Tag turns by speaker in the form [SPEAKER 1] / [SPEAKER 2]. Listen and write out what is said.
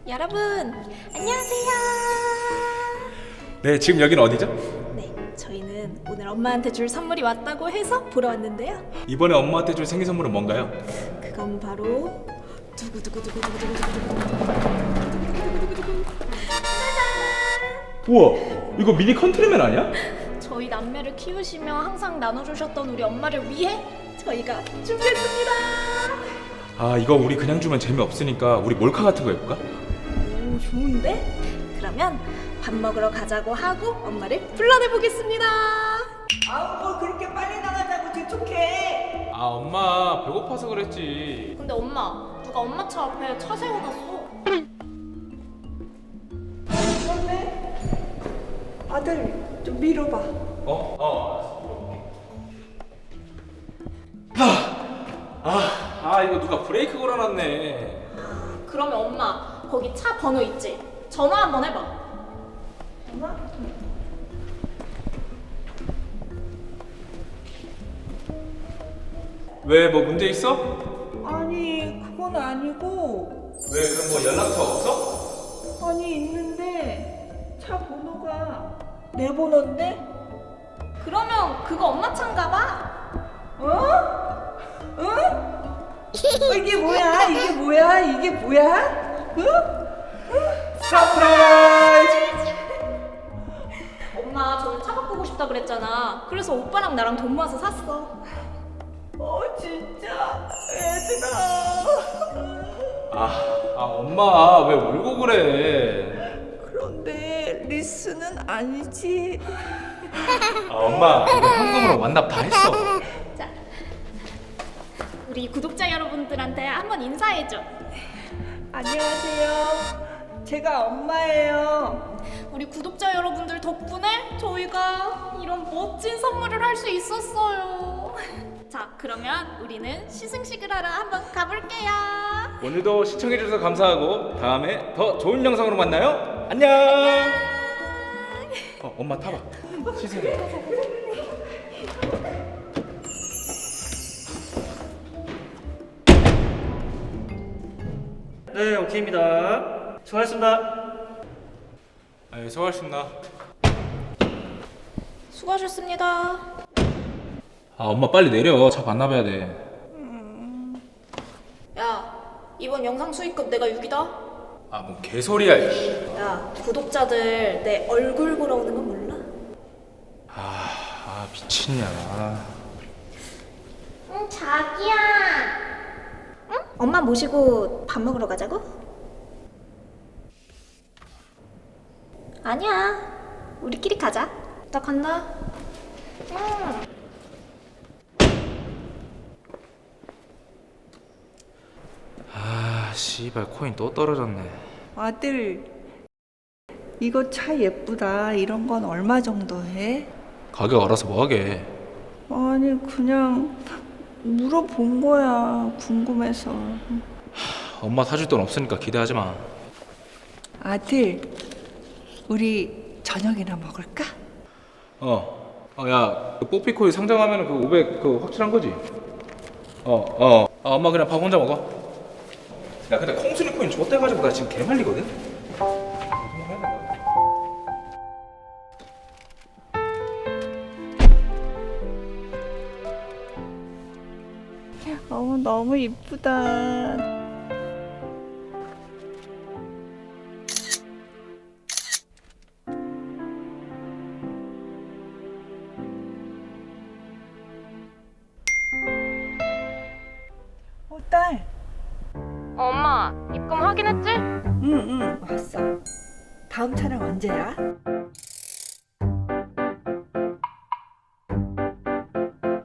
[SPEAKER 1] 여러분, 안녕하세요.
[SPEAKER 2] 네, 지금 여긴 어디죠?
[SPEAKER 1] 네, 저희는 오늘 엄마한테 줄 선물이 왔다고 해서 보러 왔는데요.
[SPEAKER 2] 이번에 엄마한테 줄 생일 선물은 뭔가요?
[SPEAKER 1] 그건 바로
[SPEAKER 2] 우와, 이거 미니 컨트리맨 아니야?
[SPEAKER 1] 저희 남매를 키우시며 항상 나눠주셨던 우리 엄마를 위해 저희가 준비했습니다.
[SPEAKER 2] 아, 이거 우리 그냥 주면 재미없으니까 우리 몰카 같은 거 해볼까?
[SPEAKER 1] 오, 좋은데? 그러면 밥 먹으러 가자고 하고 엄마를 불러내보겠습니다.
[SPEAKER 3] 아우 뭘 그렇게 빨리 나가자고 재촉해.
[SPEAKER 2] 아, 엄마 배고파서 그랬지.
[SPEAKER 1] 근데 엄마, 누가 엄마 차 앞에 차 세워놨어.
[SPEAKER 3] 그런데 아들 좀 밀어봐.
[SPEAKER 2] 이거 누가 브레이크 걸어놨네.
[SPEAKER 1] 그러면 엄마, 거기 차 번호 있지? 전화 한번 해봐.
[SPEAKER 3] 엄마?
[SPEAKER 2] 왜, 뭐 문제 있어?
[SPEAKER 3] 아니 그건 아니고.
[SPEAKER 2] 왜, 그럼 뭐 연락처 없어?
[SPEAKER 3] 아니 있는데 차 번호가 내 번호인데?
[SPEAKER 1] 그러면 그거 엄마 차인가 봐.
[SPEAKER 3] 어? 어? 이게 뭐야? 이게 뭐야? 이게 뭐야?
[SPEAKER 2] 서프라이즈!
[SPEAKER 1] 엄마, 저는 차 바꾸고 싶다 그랬잖아. 그래서 오빠랑 나랑 돈 모아서 샀어.
[SPEAKER 3] 진짜 얘들아.
[SPEAKER 2] 엄마 왜 울고 그래?
[SPEAKER 3] 그런데 리스는 아니지.
[SPEAKER 2] 엄마 이거 현금으로 완납 다 했어.
[SPEAKER 1] 자, 우리 구독자 여러분들한테 한번 인사해줘.
[SPEAKER 3] 안녕하세요. 제가 엄마예요.
[SPEAKER 1] 우리 구독자 여러분들 덕분에 저희가 이런 멋진 선물을 할 수 있었어요. 자, 그러면 우리는 시승식을 하러 한번 가볼게요.
[SPEAKER 2] 오늘도 시청해주셔서 감사하고 다음에 더 좋은 영상으로 만나요. 안녕. 엄마 타봐. 시승해.
[SPEAKER 4] 네, 오케이입니다. 수고하셨습니다.
[SPEAKER 2] 수고하셨습니다.
[SPEAKER 1] 수고하셨습니다.
[SPEAKER 2] 엄마 빨리 내려. 차 반납해야 돼.
[SPEAKER 1] 야, 이번 영상 수익금 내가 6이다.
[SPEAKER 2] 뭔 개소리야. 이씨.
[SPEAKER 1] 야, 구독자들 내 얼굴 보러 오는 건 몰라?
[SPEAKER 2] 미친년아.
[SPEAKER 1] 응, 자기야. 응? 엄마 모시고 밥 먹으러 가자고? 아니야. 우리끼리 가자. 나 간다. 응.
[SPEAKER 2] 씨발 코인 또 떨어졌네.
[SPEAKER 3] 아들, 이거 차 예쁘다. 이런 건 얼마 정도 해?
[SPEAKER 2] 가격 알아서 뭐하게.
[SPEAKER 3] 아니 그냥 물어본 거야. 궁금해서.
[SPEAKER 2] 엄마 사줄 돈 없으니까 기대하지 마.
[SPEAKER 3] 아들, 우리 저녁이나 먹을까?
[SPEAKER 2] 야, 그 뽀삐코인 상장하면 그 500 그 확실한 거지? 엄마 그냥 밥 혼자 먹어. 야, 근데 콩수리 코인 줬대가지고 나 지금 개말리거든?
[SPEAKER 3] 너무 이쁘다. 딸.
[SPEAKER 1] 엄마, 입금 확인했지?
[SPEAKER 3] 응, 왔어. 다음 차량 언제야?